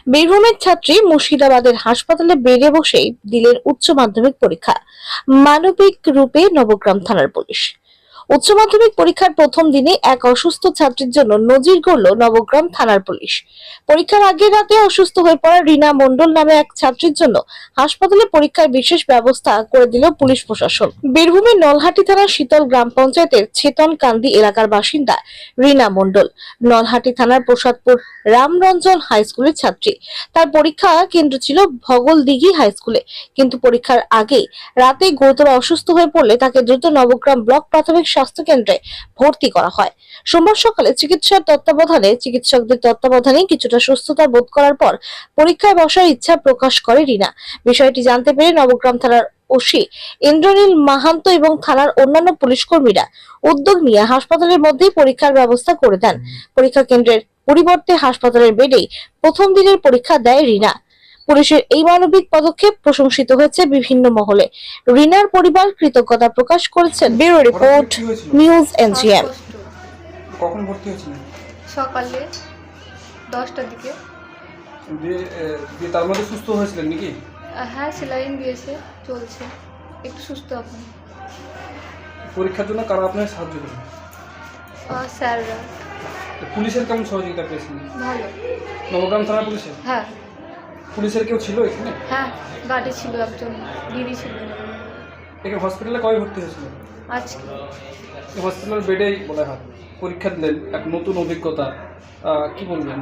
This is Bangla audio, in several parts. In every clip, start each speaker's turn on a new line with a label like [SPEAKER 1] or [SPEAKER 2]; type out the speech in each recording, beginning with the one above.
[SPEAKER 1] বীরভূমের ছাত্রী মুর্শিদাবাদের হাসপাতালে বেডে বসেই দিলেন উচ্চ মাধ্যমিক পরীক্ষা। মানবিক রূপে নবগ্রাম থানার পুলিশ। উচ্চ মাধ্যমিক পরীক্ষার প্রথম দিনে এক অসুস্থ ছাত্রীর জন্য নজির গড়ল নবগ্রাম থানার পুলিশ। পরীক্ষার আগের রাতে অসুস্থ হয়ে পড়া রীনা মণ্ডল নামে এক ছাত্রীর জন্য হাসপাতালে পরীক্ষার বিশেষ ব্যবস্থা করে দিল পুলিশ প্রশাসন। বীরভূমের নলহাটি থানার শীতল গ্রাম পঞ্চায়েতের ছেতনকান্দি এলাকার বাসিন্দা রীনা মণ্ডল নলহাটি থানার প্রসাদপুর রামরঞ্জন হাই স্কুলের ছাত্রী। তার পরীক্ষা কেন্দ্র ছিল ভগলদিঘি হাই স্কুলে, কিন্তু পরীক্ষার আগে রাতে গুরুতর অসুস্থ হয়ে পড়লে তাকে দ্রুত নবগ্রাম ব্লক প্রাথমিক স্বাস্থ্য কেন্দ্রে ভর্তি করা হয়। সোমবার সকালে চিকিৎসকদের তত্ত্বাবধানে কিছুটা সুস্থতা বোধ করার পর পরীক্ষায় বসার ইচ্ছা প্রকাশ করে রীনা। বিষয়টি জানতে পেরে নবগ্রাম থানার ওসি ইন্দ্রনীল মাহান্ত এবং থানার অন্যান্য পুলিশ কর্মীরা উদ্যোগ নিয়ে হাসপাতালের মধ্যেই পরীক্ষার ব্যবস্থা করে দেন। পরীক্ষা কেন্দ্রের পরিবর্তে হাসপাতালের বেডেই প্রথম দিনের পরীক্ষা দেয় রীনা। পুলিশের এই মানবিক পদক্ষেপ প্রশংসিত হয়েছে বিভিন্ন মহলে। রীনার পরিবার কৃতজ্ঞতা প্রকাশ করেছেন। Bureau report, news NGM.
[SPEAKER 2] কখন ভর্তি হয়েছিলেন?
[SPEAKER 3] সকালে 10টার দিকে।
[SPEAKER 2] দিয়ে তার মধ্যে সুস্থ হয়েছিলেন নাকি?
[SPEAKER 3] হ্যাঁ, সেলাইন দিয়েছে, চলছে, একটু সুস্থ এখন।
[SPEAKER 2] পরীক্ষার জন্য কারা আপনাকে সাহায্য করবে?
[SPEAKER 3] স্যাররা।
[SPEAKER 2] পুলিশের কেমন সহযোগিতা পেয়েছিলেন?
[SPEAKER 3] ভালো।
[SPEAKER 2] নবগ্রাম থানা পুলিশের?
[SPEAKER 3] হ্যাঁ।
[SPEAKER 2] পুলিশের কেউ ছিল এখানে?
[SPEAKER 3] হ্যাঁ, গাড়ি ছিল, একজন দিদি ছিল।
[SPEAKER 2] এখানে হসপিটালে কবে ভর্তি হয়েছিল?
[SPEAKER 3] আজকে।
[SPEAKER 2] হসপিটালের বেডেই বলা হয় পরীক্ষা দিলেন, এক নতুন অভিজ্ঞতা, কি বলবেন?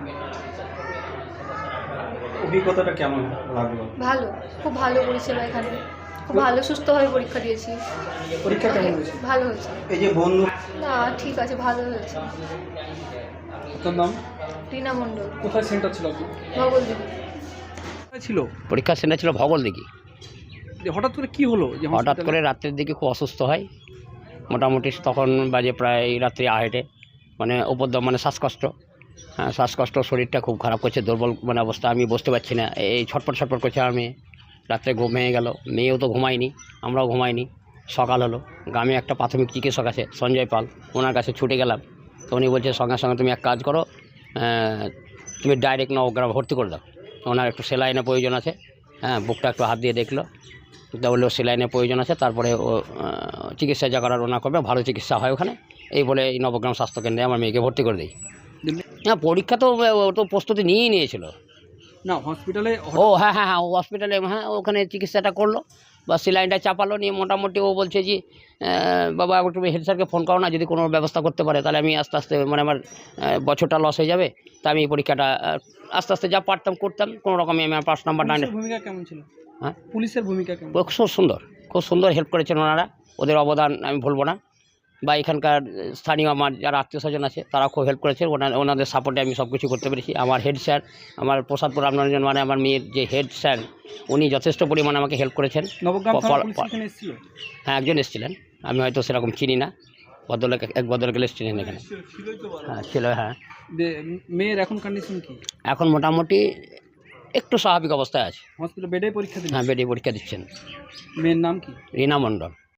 [SPEAKER 4] অভিজ্ঞতাটা কেমন লাগলো?
[SPEAKER 3] ভালো, খুব ভালো পরিষেবা এখানে, খুব ভালো সুস্থভাবে পরীক্ষা দিয়েছি।
[SPEAKER 2] পরীক্ষা কেমন হয়েছে?
[SPEAKER 3] ভালো হয়েছে।
[SPEAKER 4] এই যে বন্ধু
[SPEAKER 3] না, ঠিক আছে, ভালো হয়েছে।
[SPEAKER 2] আপনার নাম?
[SPEAKER 3] রীনা মণ্ডল।
[SPEAKER 2] কোথায় সেন্টার ছিল আপনি?
[SPEAKER 3] ভগলদিঘি
[SPEAKER 2] ছিল
[SPEAKER 5] পরীক্ষা সেন্টার ছিল ভগলদিঘি।
[SPEAKER 2] যে হঠাৎ করে কি হলো? যে
[SPEAKER 5] হঠাৎ করে রাত্রের দিকে খুব অসুস্থ হয়, মোটামুটি তখন বাজে প্রায় রাত্রি 8টে, মানে উপদ্রব, মানে শ্বাসকষ্ট। হ্যাঁ, শ্বাসকষ্ট, শরীরটা খুব খারাপ করছে, দুর্বল মানে অবস্থা, আমি বসতে পারছি না, এই ছটপট ছটপট করছে। আমি রাত্রে ঘুম ভেঙে গেল, মেয়েও তো ঘুমায়নি, আমরাও ঘুমাইনি। সকাল হলো, গ্রামে একটা প্রাথমিক চিকিৎসক আছে সঞ্জয় পাল, ওনার কাছে ছুটে গেলাম। তো উনি বলছে সঙ্গে সঙ্গে তুমি এক কাজ করো, তুমি ডাইরেক্ট নবগ্রাম ভর্তি করে দাও, ওনার একটু সেলাইনের প্রয়োজন আছে। হ্যাঁ, বুকটা একটু হাত দিয়ে দেখলো, তা বললো সেলাইনের প্রয়োজন আছে, তারপরে ও চিকিৎসা যা করার ওনা করবে, ভালো চিকিৎসা হয় ওখানে, এই বলে এই নবগ্রাম স্বাস্থ্যকেন্দ্রে আমার মেয়েকে ভর্তি করে দিই। হ্যাঁ, পরীক্ষা তো ও তো প্রস্তুতি নিয়েই নিয়েছিল।
[SPEAKER 2] না, হসপিটালে?
[SPEAKER 5] ও হ্যাঁ হ্যাঁ হ্যাঁ, ও হসপিটালে, হ্যাঁ, ওখানে চিকিৎসাটা করলো বা সেলাইনটা চাপালো, নিয়ে মোটামুটি ও বলছে যে বাবা একটু হেড স্যারকে ফোন করো না, যদি কোনো ব্যবস্থা করতে পারে তাহলে আমি আস্তে আস্তে, মানে আমার বছরটা লস হয়ে যাবে, তা আমি পরীক্ষাটা আস্তে আস্তে যা পারতাম করতাম, কোনো রকমে আমি আমার 5 নাম্বার ডান।
[SPEAKER 2] ভূমিকা কেমন ছিল?
[SPEAKER 5] হ্যাঁ,
[SPEAKER 2] পুলিশের ভূমিকা কেমন?
[SPEAKER 5] খুব সুন্দর হেল্প করেছেন ওনারা, ওদের অবদান আমি ভুলবো না। বা এখানকার স্থানীয় আমার যারা আত্মীয় স্বজন আছে তারা খুব হেল্প করেছে, ওনাদের সাপোর্টে আমি সব কিছু করতে পেরেছি। আমার হেড স্যার, আমার প্রসাদপুর রামরঞ্জন, মানে আমার মেয়ের যে হেড স্যার, উনি যথেষ্ট পরিমাণে আমাকে হেল্প করেছেন। হ্যাঁ, একজন এসেছিলেন, আমি হয়তো সেরকম চিনি না, এক ভদ্রলোক এসেছিলেন এখানে। হ্যাঁ, ছিল। হ্যাঁ।
[SPEAKER 2] মেয়ের এখন কন্ডিশন কি?
[SPEAKER 5] এখন মোটামুটি একটু স্বাভাবিক অবস্থায় আছে।
[SPEAKER 2] হসপিটাল বেডে পরীক্ষা দিচ্ছেন?
[SPEAKER 5] হ্যাঁ, বেডে পরীক্ষা দিচ্ছেন।
[SPEAKER 2] মেয়ের নাম কি?
[SPEAKER 5] রীনা মণ্ডল।